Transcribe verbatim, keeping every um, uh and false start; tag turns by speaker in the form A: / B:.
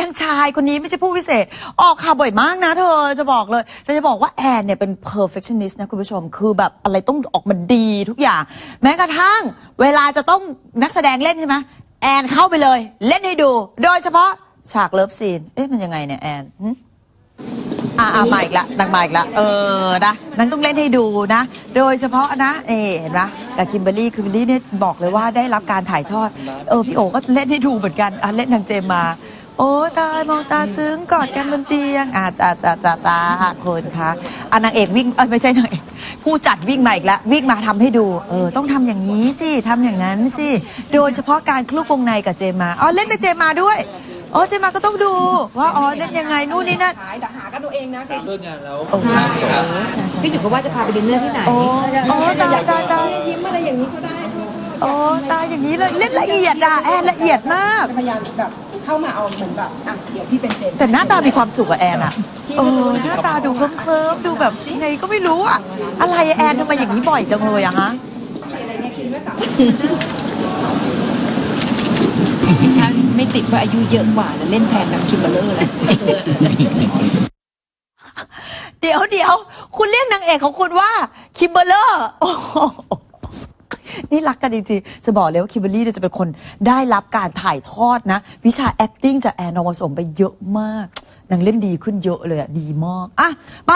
A: างชายคนนี้ไม่ใช่ผู้พิเศษออกข่าวบ่อยมากนะเธอจะบอกเลยแต่จะบอกว่าแอนเนี่ยเป็น perfectionist นะคุณผู้ชมคือแบบอะไรต้องออกมาดีทุกอย่างแม้กระทั่งเวลาจะต้องนักแสดงเล่นใช่ไหมแอนเข้าไปเลยเล่นให้ดูโดยเฉพาะฉากเลิฟซีนเอ๊ะมันยังไงเนี่ยแอนอ่ามาอีกละนางมาอีกละเออนะนางต้องเล่นให้ดูนะโดยเฉพาะนะเอเห็นไหมกับคิมเบอร์รี่คิมเบอร์รี่เนี่ยบอกเลยว่าได้รับการถ่ายทอดเออพี่โอก็เล่นให้ดูเหมือนกันอ่ะเล่นทางเจมมาโอ้ตายมองตาซึ้งกอดกันบนเตียงอ่าจ้าจ้าจ้าจ้าคนคะอ่ะนางเอกวิ่งเออไม่ใช่นางเอกผู้จัดวิ่งมาอีกแล้ววิ่งมาทำให้ดูเออต้องทำอย่างนี้สิทำอย่างนั้นสิโดยเฉพาะการคลุกวงในกับเจมมาอ๋อเล่นเป็นเจมมาด้วยอ๋อเจมาก็ต้องดูว่าอ๋อเล่นยังไงนู่นนี่นั่น
B: แต่หากันตัวเองนะ
C: เลิกงานแล้ว
A: โอ้โห
B: พี่อยู่ก็ว่าจะพาไปดินเนอร์ที่ไหน
A: โอ้โอ้ตายตายตาย
B: ยิ้มอะไรอย่างนี้ก็ได้
A: โอ้ตายอย่างนี้เลยเล่นละเอียดอ่ะแอนละเอียดมาก
B: พยายามแบบเข้ามาเอาเหมือนแบบอ่ะเดี๋ยวพี่เป็นเจน
A: แต่หน้าตามีความสุขกับแอนอ่ะเออหน้าตาดูเคลิ้มๆดูแบบไงก็ไม่รู้อ่ะอะไรแอนทำไมอย่างนี้บ่อยจังเลยอะฮะ
B: ถ้าไม่ติดว่าอายุเยอะกว่าแล้วเล่นแทนน้ำคิมเบอร์เลอร์แล้ว
A: เดี๋ยวเดี๋ยวคุณเรียกนางเอกของคุณว่าคิมเบอร์เลอร์นี่รักกันจริงๆจะบอกเลยว่าคิมเบอร์รี่จะเป็นคนได้รับการถ่ายทอดนะวิชา acting จากแอนนองผสมไปเยอะมากนางเล่นดีขึ้นเยอะเลยอะดีมากอ่ะ